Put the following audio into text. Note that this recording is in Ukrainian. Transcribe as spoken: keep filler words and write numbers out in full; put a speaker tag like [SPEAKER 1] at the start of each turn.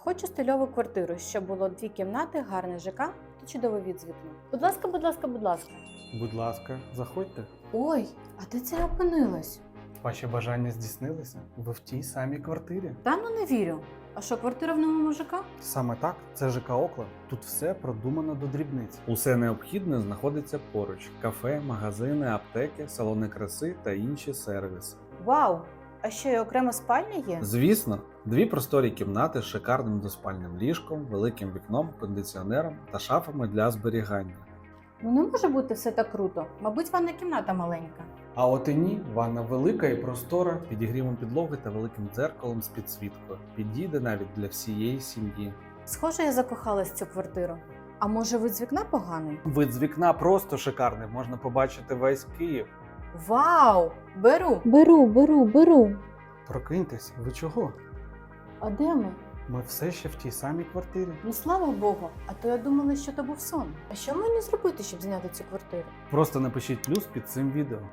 [SPEAKER 1] Хочу стильову квартиру, щоб було дві кімнати, гарний ЖК та чудовий від з вікна. Будь ласка, будь ласка, будь ласка.
[SPEAKER 2] Будь ласка, заходьте.
[SPEAKER 1] Ой, а де це опинилась?
[SPEAKER 2] Ваші бажання здійснилися? Ви в тій самій квартирі.
[SPEAKER 1] Та ну не вірю. А що, квартира в новому ЖК?
[SPEAKER 2] Саме так, це ЖК Окленд. Тут все продумано до дрібниць. Усе необхідне знаходиться поруч: кафе, магазини, аптеки, салони краси та інші сервіси.
[SPEAKER 1] Вау! А що, і окрема спальня є?
[SPEAKER 2] Звісно, дві просторі кімнати з шикарним двоспальним ліжком, великим вікном, кондиціонером та шафами для зберігання.
[SPEAKER 1] Ну не може бути все так круто. Мабуть, ванна кімната маленька.
[SPEAKER 2] А от і ні, ванна велика і простора, підігрівом підлоги та великим дзеркалом з підсвіткою. Підійде навіть для всієї сім'ї.
[SPEAKER 1] Схоже, я закохалась в цю квартиру. А може, вид з вікна поганий?
[SPEAKER 2] Вид з вікна просто шикарний, можна побачити весь Київ.
[SPEAKER 1] Вау! Беру!
[SPEAKER 3] Беру, беру, беру.
[SPEAKER 2] Прокиньтесь, ви чого?
[SPEAKER 1] А де ми?
[SPEAKER 2] Ми все ще в тій самій квартирі.
[SPEAKER 1] Ну слава Богу, а то я думала, що то був сон. А що мені зробити, щоб зняти цю квартиру?
[SPEAKER 2] Просто напишіть плюс під цим відео.